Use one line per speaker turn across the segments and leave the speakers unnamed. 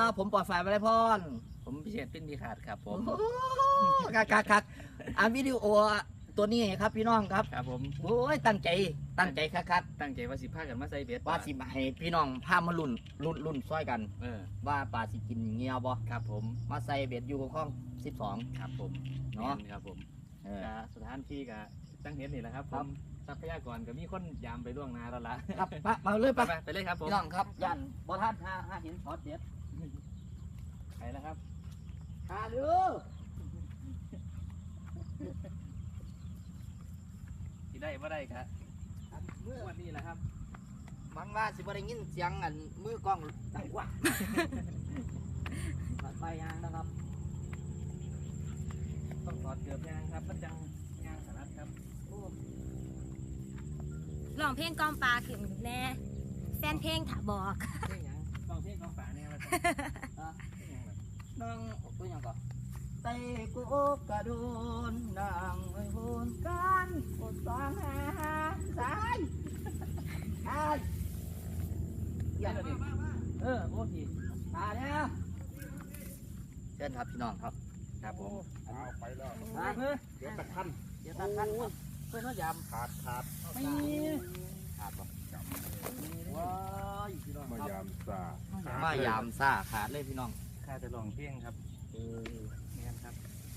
ผมปลอดฝ่ายมาได้พร
ผมพิเศษปิ้นดีขาดครับผม
คักวิดีโอตัวนี้ครับพี่น้องครับ
ครับผม
โอ้ยตั้งใจคัก
ตั้งใจว่าสิพากันมาใส่เบ็ด
ว่าสิมาให้พี่น้องพามารุ่นซ้อยกัน ว่าปลาสิกินเงี้ยบ่
ครับผม
มาใส่เบ็ดอยู่ข้อง12
ครับผม
เนาะ
ครับผม
เออ
สถานที่ก็ตั้งเห็นนี่แหละครับผ
ครับ
มทรัพยากรก็มีคนยามไปล่วงหน้าแล้วล่ะ
ครับมาเลย
ไป
ปะ
ไปเลยครับผม
พี่น้องครับยันบ่ท่านหาเห็นช็อตเด็ด
ไปแล้วครับ
หาเด้อ
ที่ได้ไม่ได้ครับวันนี้แหละครับ
มันว่าสิบ่ได้ยินเสียงอันมือกล้องดังกว่าไปยางนะครับ
ต้องถอดเกือบยางครับมันจังยางสลัดครับ
ร้องเพลงกอมปลาขึ้นแน่แฟนเพลงถ้าบอก
เพลงหยังลองเพลงของป่าเนี่ยมา
นั่งตัวอย่างก่อนไต่กูกระโดนนั่งไอ้โหนกันกดสองหาสายอย่างนี้
โอ้ที
มาเนี่ยเชิญครับพี่น้องครับ
ครับผม
เอาไปแล้ว
มา
เดี๋ยวตะคัน
เดี๋ยวตัดกันครับ
เพื่อนน้อยย
ขาด
ำไม่
ขาดบ่ว้ายพี่น้อง
มายามซาม
ายามซ่าขาดเลยพี่น้อง
ข้าจะลองเพลงครับนี่ครับ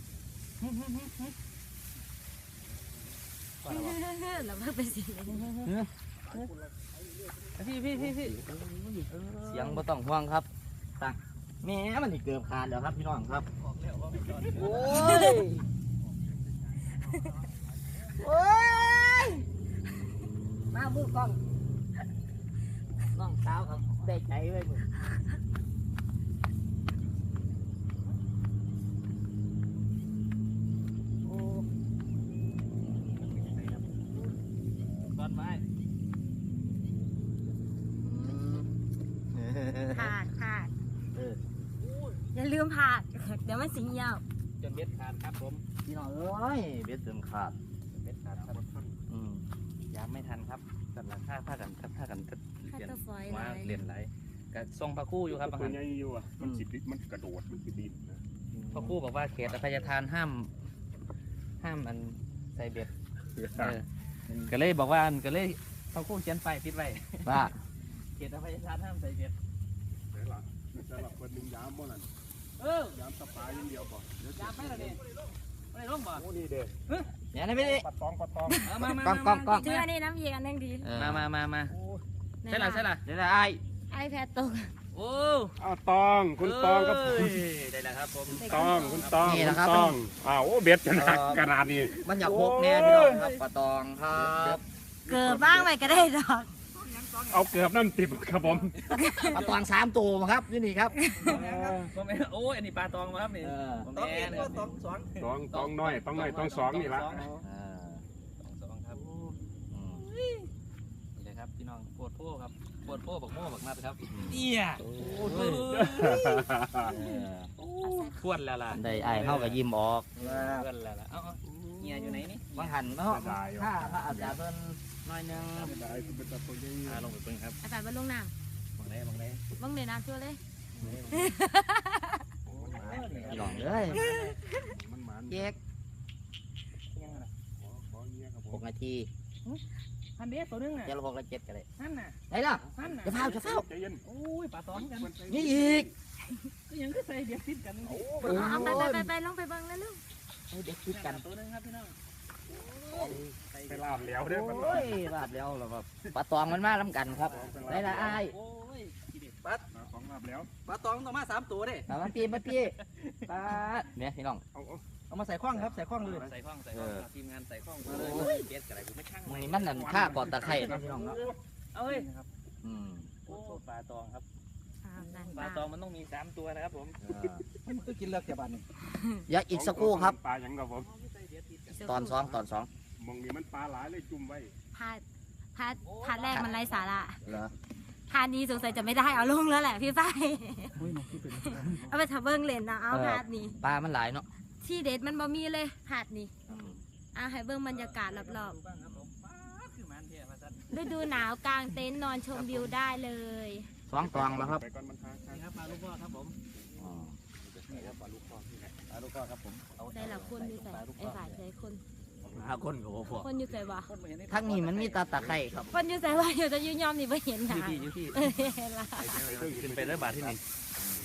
แล้วมันเป็นสิ่งนี้
พี่
เสียงบ่ต้องห่วงครับตังแม่มันนี่เกือบขาดแล้วครับพี่น้องครับโอ้ยโอ้ยมามือกล้องน้องสาวครับได้ใจไว้มึงโอ้
ต้นไม้
ผ่าน
เออ
อย่าลืมผ่านเดี๋ยวมันสิงยาว
จนเบ็ดขาดครับผม
พี่น้องเอ้ยเบ็ดเติมขาด
เบ็ดขาดครับ
อืม
ยามไม่ทันครับกันละผ้ากันก็
ถ้า
เรียน
ตัวฝอยเล
ว่าย เรียนไหลก็ทรงพระคู่อยู่ครับบาง
ตัว
ท่าน
ใหญ่อยู่อ่ะมันสิบมันกระโดดมันคือดินนะ
พระคู่บอกว่าเขตอภัยทานห้ามอันใส่เบ็ดก็เลยบอกว่าก็เลยพระคู่เขียนไปปิดไว้
ว่า
เขตอภัยทานห้ามใส่เบ็ด
ไหนล่ะแต่ละคนหนึ่งยามบ่นั่น ยามสปายอย่างเดียวก่อน
ยามไม่ละเนี่ยไม่ได้ร่มบ่
โอ้นี่เด้อ
เนี่ยนะพี่
ปัดตอง
มาก
ล้อง
ถืออันนี้น้ำเย็นอันนึงดี
มาใช่ละ
เดี๋ยวนะไอ้
ไอแพดตก
โอ้
อ้าวตองคุณตองครับ
ได้แล้วครับผม
ตองคุณตองคุณตองอ้าวโอ้เบ็ดขนาดนี้
มันอยากพกแน่พี่น้องครับปลาตองครับ
เกิดบ้างไปก็ได้ดอก
เอาเกือบน้ำติบครับผม
ปลาตอง3 ตัวมาครับนี่ครับ
ผมโอ้อันนี้ปลาตองมาครับนี่ผมแม่นะครับ
ตองน้อยต้องสองนี่ละ
สองครับนี่เลยครับพี่น้องปวดโป้ครับปวดโป้บักโม่บักนัดครับเนี่ยทวนแล้วล่ะ
ได้ไอ้เข้ากับยิ้มออก
ทวนแล้วล่ะเอ้าเงียอยู่ไหนนี่
บางหันเนาะถ้าพระอาจารย์เพิ่นน้อยนึง
ได้คุณเป็นตาตัวใหญ่
ลงไปเพิ่งครับ
ไอแพดมันลงน้
บังไหน
ำบังเลยน้ำชั่วเลย
พี่น้องเลย
มันหมัน
เจ๊ก
ขอเงี้ยครับผม
6 นาที
พันเดียตัวนึงน่ะ
เดี๋ยวเรา6 และ 7กันเลย
นั่นน่ะ
ได้แล้ว
นั่นน่ะ
จะเฝ้า
ใจเย็น
โอ้ยปลาตองกัน
นี่อีก
ก็ยังก็ใส่เดียดติดกัน
เอาไปลงไปเบิ่งแล้วลูก
เด็กคิดกัน
ตัวนึงครับพี่น้อง
ไปลาบแล้วเด้อมัน
โอ้ยลาบแล้วเราแบบปลาตองมันมาล้ำกันครับได้ละไอ้
โอ้ย
ของลาบแล้ว
ปลาตองต้องมา3 ตัวเด้
มาปีปลาเนี่ยพี่น้อง
เอามาใส่ข้องครับใส่ข้องเลยใส่ข้องทีมงานใส่ข้องมาเลยเบ็ดอะไรกูไม่ช่าง
นี่มันนั่นข้ากอดตะไคร่นะพี่น้องเนาะ
เอ้ย
อืม
โอ้ปลาตองครับ
นั่น
ปลาตองมันต้องมี3 ตัวนะครับผม
มันก็กินเลือกแค่บาทนึง
อย่าอีกสักครู่ครับ
ปลาอย่างกับผม
ตอน2
มองนี่มันปลาหลายเลยจุ่มไว้
พาแรกมันไร้สาระ
เหรอ
พานี้สงสัยจะไม่ได้เอาลงแล้วแหละพี่ฝ้าย
อุ้ยน้องที่เป็น
เอาไปทำเบิ้งเล่นนะเอาพาดนี้
ปลามันหลายเนาะ
ที่เด็ดมันบ่มีเลยพาดนี้เอาให้เบิ้งบรรยากาศรอบๆฤดูหนาวกลางเต็นท์นอนชมวิวได้เลย
2 ตองแล้วครับ
ไปก่อนมันหา
นี่ครับปลาลูกพ่อครับผม
อ๋อ
นี่ครับปลาลูกพ่อที่ไหนปลาลูกพ่อครับผมเอา
ได้ละคนอยู่ใส่ไอ้ฝ่ายใจคน
5 คนก็บ่พอ
คนอยู่ใส่บ่
คนมาเห็นใน
ทั้งนี้มันมีตาตะไคร้ครับ
คนอยู่ใส่ว่าอยู่จะยืนยอมนี่ไม่เห็นห
อ
นา
ยู่ที่
เออเห็นละ
ขึ้นไปได้บาทที่นี่